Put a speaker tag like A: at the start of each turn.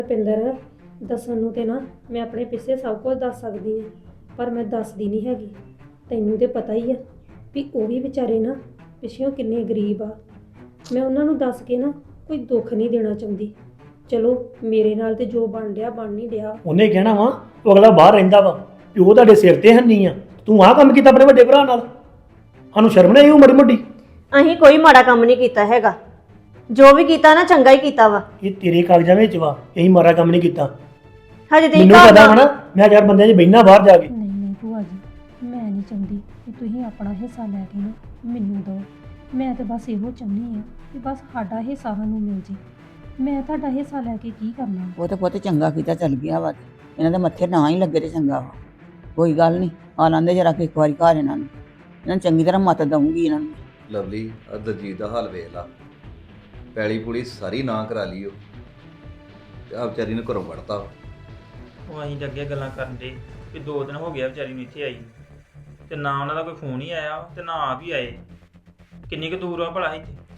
A: ਰੁਪਿੰਦਰ ਦੱਸਣ ਨੂੰ ਤੇ ਨਾ ਮੈਂ ਆਪਣੇ ਪਿੱਛੇ ਸਭ ਕੁਝ ਦੱਸ ਸਕਦੀ ਹਾਂ, ਪਰ ਮੈਂ ਦੱਸਦੀ ਨਹੀਂ ਹੈਗੀ। ਤੈਨੂੰ ਤੇ ਪਤਾ ਹੀ ਆ ਵੀ ਉਹ ਵੀ ਵਿਚਾਰੇ ਨਾ ਪਿੱਛੋਂ ਕਿੰਨੇ ਗਰੀਬ ਆ। ਮੈਂ ਉਹਨਾਂ ਨੂੰ ਦੱਸ ਕੇ ਨਾ ਕੋਈ ਦੁੱਖ ਨਹੀਂ ਦੇਣਾ ਚਾਹੁੰਦੀ। ਚਲੋ ਮੇਰੇ ਨਾਲ ਤੇ ਜੋ ਬਣ ਰਿਹਾ ਬਣ ਨਹੀਂ ਰਿਹਾ।
B: ਉਹਨੇ ਕਹਿਣਾ ਵਾ ਉਹ ਅਗਲਾ ਬਾਹਰ ਰਹਿੰਦਾ ਵਾ ਵੀ ਉਹ ਤੁਹਾਡੇ ਸਿਰ ਤੇ ਹੰਨੀ ਆ, ਤੂੰ ਆਹ ਕੰਮ ਕੀਤਾ ਆਪਣੇ ਵੱਡੇ ਭਰਾ ਨਾਲ। ਸਾਨੂੰ ਸ਼ਰਮ ਨਹੀਂ ਆਈ ਉਹ ਮਾੜੀ ਮੋਟੀ?
C: ਅਸੀਂ ਕੋਈ ਮਾੜਾ ਕੰਮ ਨਹੀਂ ਕੀਤਾ ਹੈਗਾ, ਜੋ ਵੀ ਕੀਤਾ ਨਾ ਚੰਗਾ ਹੀ ਕੀਤਾ ਵਾ।
B: ਇਹ ਤੇਰੇ ਕਾਗਜ਼ਾਂ ਵਿੱਚ ਵਾ, ਇਹੀ ਮਾੜਾ ਕੰਮ ਨਹੀਂ ਕੀਤਾ।
C: ਹਜੇ ਤੇ
B: ਮੈਨੂੰ ਪਤਾ ਵਾ ਨਾ, ਮੈਂ ਚਾਰ ਬੰਦਿਆਂ 'ਚ ਬਹਿਣਾ ਬਾਹਰ ਜਾ ਕੇ।
A: ਨਹੀਂ ਭੂਆ ਜੀ, ਮੈਂ ਨਹੀਂ ਚਾਹੁੰਦੀ ਕਿ ਤੁਸੀਂ ਆਪਣਾ ਹਿੱਸਾ ਲੈ ਕੇ ਨਾ ਮੈਨੂੰ ਦਿਓ। ਮੈਂ ਤਾਂ ਬਸ ਇਹੋ ਚਾਹੁੰਦੀ ਹਾਂ ਕਿ ਬਸ ਸਾਡਾ ਹਿੱਸਾ ਸਾਨੂੰ ਮਿਲ ਜੇ। ਮੈਂ ਤੁਹਾਡਾ ਹਿੱਸਾ ਲੈ ਕੇ ਕੀ ਕਰਨਾ?
D: ਉਹ ਤਾਂ ਪੁੱਤ ਚੰਗਾ ਕੀਤਾ ਚੱਲ ਗਿਆ ਵਾ, ਇਹਨਾਂ ਦੇ ਮੱਥੇ ਨਾ ਹੀ ਲੱਗੇ ਤੇ ਚੰਗਾ ਵਾ। ਕੋਈ ਗੱਲ ਨਹੀਂ, ਆ ਲਾਂਦੇ ਜਰਾ ਕਿ ਇੱਕ ਵਾਰੀ ਘਰ ਇਹਨਾਂ ਨੂੰ ਚੰਗੀ ਤਰ੍ਹਾਂ ਮੱਤ ਦਊਂਗੀ ਇਹਨਾਂ ਨੂੰ।
E: ਲਵਲੀ ਆ ਦਲਜੀਤ ਦਾ ਹਾਲ ਵੇਖ ਲਾ, ਪੈਲੀ ਪੁਲੀ ਸਾਰੀ ਨਾ ਕਰਾ ਲਈ ਉਹ ਤੇ ਆ ਵਿਚਾਰੀ ਨੂੰ ਘਰੋਂ ਵੜਤਾ।
F: ਉਹ ਅਸੀਂ ਤਾਂ ਅੱਗੇ ਗੱਲਾਂ ਕਰਨ ਦੇ ਕਿ 2 ਦਿਨ ਹੋ ਗਿਆ ਵਿਚਾਰੀ ਨੂੰ ਇੱਥੇ ਆਈ ਤੇ ਨਾ ਉਹਨਾਂ ਦਾ ਕੋਈ ਫੋਨ ਹੀ ਆਇਆ ਤੇ ਨਾ ਆਪ ਹੀ ਆਏ। ਕਿੰਨੀ ਕੁ ਦੂਰ ਆ ਭਲਾ ਇੱਥੇ?